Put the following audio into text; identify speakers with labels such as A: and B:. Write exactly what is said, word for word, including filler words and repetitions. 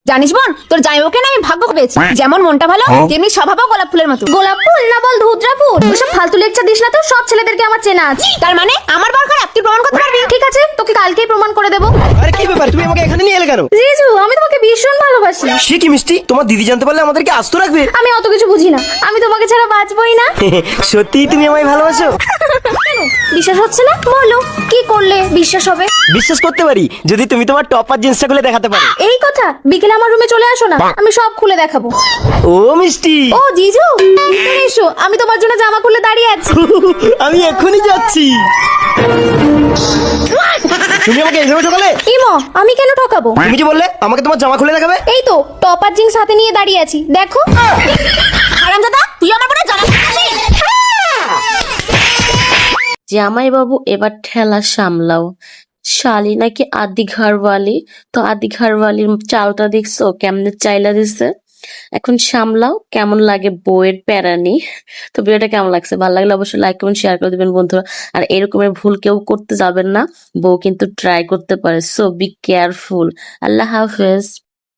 A: জানিস বোন, তোর জামাইবাবুকে না আমি ভাগ্য পেয়েছি। যেমন মনটা ভালো তেমনি স্বভাবও গোলাপ ফুলের মতো।
B: গোলাপ ফুল না বল ধুতরা ফুল। ওসব ফালতু লেকচার দিস না তো, সব ছেলেদেরকে আমার চেনা আছে।
A: তার মানে আমার বার খারাপ তুই প্রমাণ করতে পারবি?
B: ঠিক আছে, তোকে কালকেই প্রমাণ করে দেবো।
C: আরে কি ব্যাপার, তুমি আমাকে এখানে নিয়ে এলে কেন?
B: জিজু, আমি তোমাকে ভীষণ ভালোবাসি।
C: সে কি মিষ্টি, তোমার দিদি জানতে পারলে আমাদেরকে আস্ত রাখবে।
B: আমি অত কিছু বুঝি না, আমি তোমাকে ছাড়া বাঁচবই না।
C: সত্যি তুমি আমায় ভালোবাসো?
B: কেন বিশ্বাস হচ্ছে না? বলো কি করলে বিশ্বাস হবে?
C: বিশ্বাস করতে পারি যদি তুমি তোমার টপার জিন্সটা খুলে দেখাতে পারো।
B: এই কথা, বিকেলে আমার রুমে চলে আসো না, আমি সব খুলে দেখাবো।
C: ও মিষ্টি,
B: ও জিজু, ভিতরে এসো, আমি তোমার জন্য জামা খুলে দাঁড়িয়ে আছি।
C: আমি এখনই যাচ্ছি। তুমি আমাকে এইভাবে ঠকালে?
B: ইমো, আমি কেন ঠকাবো?
C: তুমি যে বললে আমাকে তোমার জামা খুলে দেখাবে।
B: এই তো টপার জিন্স হাতে নিয়ে দাঁড়িয়ে আছি, দেখো।
A: হারামজাদা, তুই আমার বোনের জামা খুলে
D: জামাই বাবু এবার ঠেলা সামলাও। শালি নাকি আদি ঘরওয়ালি, তো আদি ঘরওয়ালির চালটা দেখছো কেমনে চাইলা দিছে। এখন সামলাও, কেমন লাগে বউয়ের প্যারানি। তো ভিডিওটা কেমন লাগছে, ভালো লাগলে অবশ্যই লাইক কমেন্ট শেয়ার করে দিবেন বন্ধুরা। আর এরকমের ভুল কেউ করতে যাবেন না, বউ কিন্তু ট্রাই করতে পারে, সো বি কেয়ারফুল। আল্লাহ হাফেজ।